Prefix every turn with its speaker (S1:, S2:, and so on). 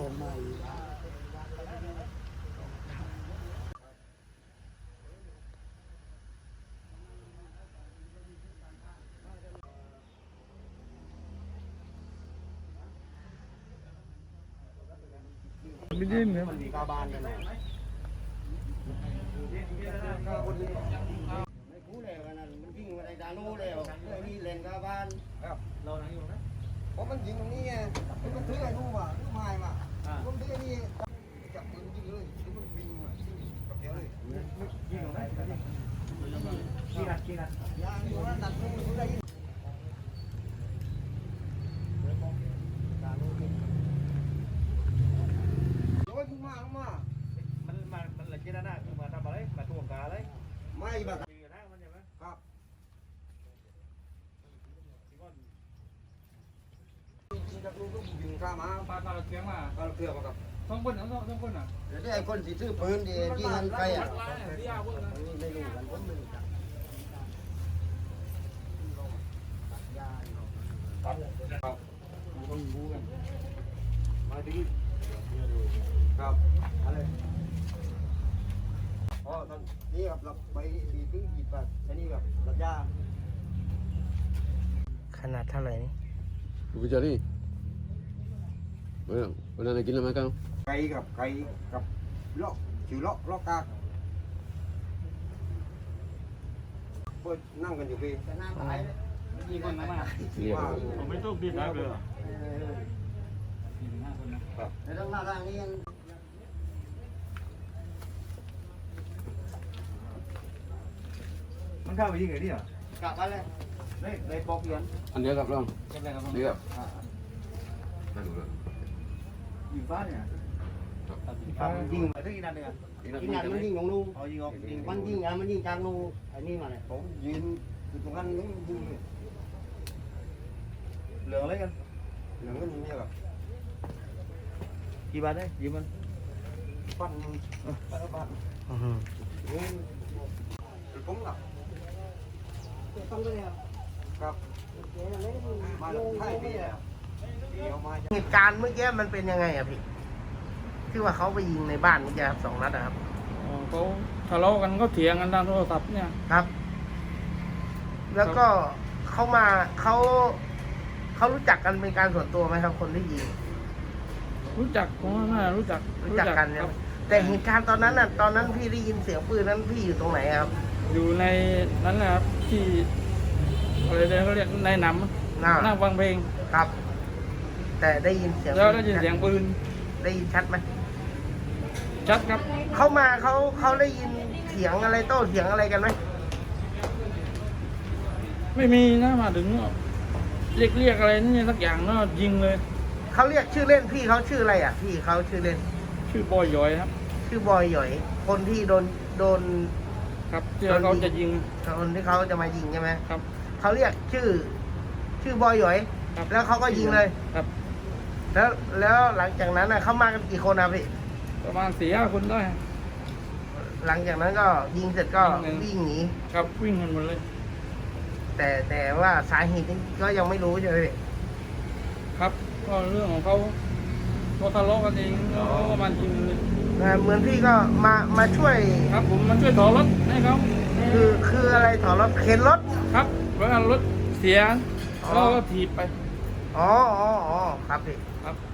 S1: ไม่ดิ้นครับ
S2: มันมีกาบานกันเลยไม่รู้แล้วกันนั่นมันยิงมาในดานูแล้วเรื่องนี้เล่นกาบานครับเราไหนอยู่นะเพราะมันยิงตรงนี้ไงมันถือไอ้นู่นว่ะลูกไม้มาผมถือไอ้นี่จับปืนยิงเลยถือมันบินมากับเดียวเลยยิงตรงไหนกี่นัดยางอยู่ว่านัดนู่นได้ยินมันหลังจากนั้นนะคือมาทำอะไรมาทวงกาเลยไม่แบบตีกันนะมันใช่ไหมครับจากนู้นก็ยิงข้ามาปลาตาเกียงมาตาเกียงมากับต้องคนอ่ะเดี๋ยวไอ้คนที่ซื้อปืนดียิงกันใครอ่ะไม่รู้กันผมไม่รู้จักครับต้องรู้กันมาดีครับอะไรอ๋อตอนนี้กับเราไปดีถึงหยิบแบบอันนี้กับรัดยาขนาดเท่าไหร่นี่
S3: ดูไปเจอดิวันนั้นกินอะไรมากัน
S2: ไก่กับเลาะชิวเลาะกากเปิดนั่งกันอยู่พี่แต่หน้าตายเลยยิงคนมา
S1: ผมไม่ต้องดิ้นครับเลย
S2: ในเรื่องหน้าร่างนี้ยัง
S1: มันเข้าไปยิงไงดิอ่ะ
S2: กลับไปเลยเลยปอกเขียน
S3: อันเดียวกับเราเดียว
S1: ไม่ดูเลยยิงฟ้าเนี่ย
S2: ยิงมาที่นั่นเลยที่นั่นมันยิงของนูยิงออกมันยิงมันยิงกลางนูไอ้นี่มาเนี่ยผมยืนอยู่ตรงนั้นนี่ยิงเหลืองอะไรกันเหลืองก็ยิงเนี่ยแบบ
S1: กี่บาทได้ยิงมัน
S2: ปั้นนี่ผมหลับต้องเลยครับมาใช่พี่
S4: เหตุการณ์เมื่อกี้มันเป็นยังไงอะพี่ที่ว่าเขาไปยิงในบ้านเมื่อกี้ครับ2 นัดครับ
S1: เขาทะเลาะกันก็เถียงกันทางโทรศัพท์เนี่ย
S4: ครับ แล้วก็เขารู้จักกันเป็นการส่วนตัวไหมครับคนที่ยิง
S1: รู้จักผมว่าน่ารู้จัก
S4: กันครับแต่เหตุการณ์ตอนนั้นพี่ได้ยินเสียงปืนนั้นพี่อยู่ตรงไหนครับ
S1: อยู่ในนั้นแหละครับที่อะไรเดี๋ยวเขาเรียกในหนำนั่งฟังเพลง
S4: ครับแต่ได้ยินเสียง
S1: แล้วได้ยินเสียงปืน
S4: ได้ยินชัดไหม
S1: ชัดครับ
S4: เขาได้ยินเสียงอะไรโต้เถียงอะไรกันไหม
S1: ไม่มีนะมาถึงเรียกอะไรนี่สักอย่างก็ยิงเลย
S4: เขาเรียกชื่อเล่นพี่เขาชื่ออะไรอ่ะพี่เขาชื่อเล่น
S1: ชื่อบอยหยอยครับ
S4: ชื่อบอยหยอยคนที่โดน
S1: ครับที่เขาจะยิง
S4: คนที่เขาจะมายิงใช่ไหม
S1: ครับ
S4: เขาเรียกชื่อบอยหยอยแล้วเขาก็ยิงเลย
S1: ครับ
S4: แล้วหลังจากนั้นเขามากันกี่คนนะพี่
S1: ประมาณ4-5 คนได้
S4: หลังจากนั้นก็ยิงเสร็จก็วิ่งหนี
S1: ครับวิ่งกันหมดเลย
S4: แต่ว่าสาเหตุก็ยังไม่รู้ใช่ไหมพี่
S1: ครับก็เรื่องของเขาทะเลาะกันเองแล้วก็มันยิงเลย
S4: เหมือนพี่ก็มาช่วย
S1: ครับผมมาช่วยถอรถให้เขา
S4: คืออะไรถอรถเข็นรถ
S1: ครับเวลารถเสียก็ถีบไป
S4: อ๋อครับพี่
S1: ครับ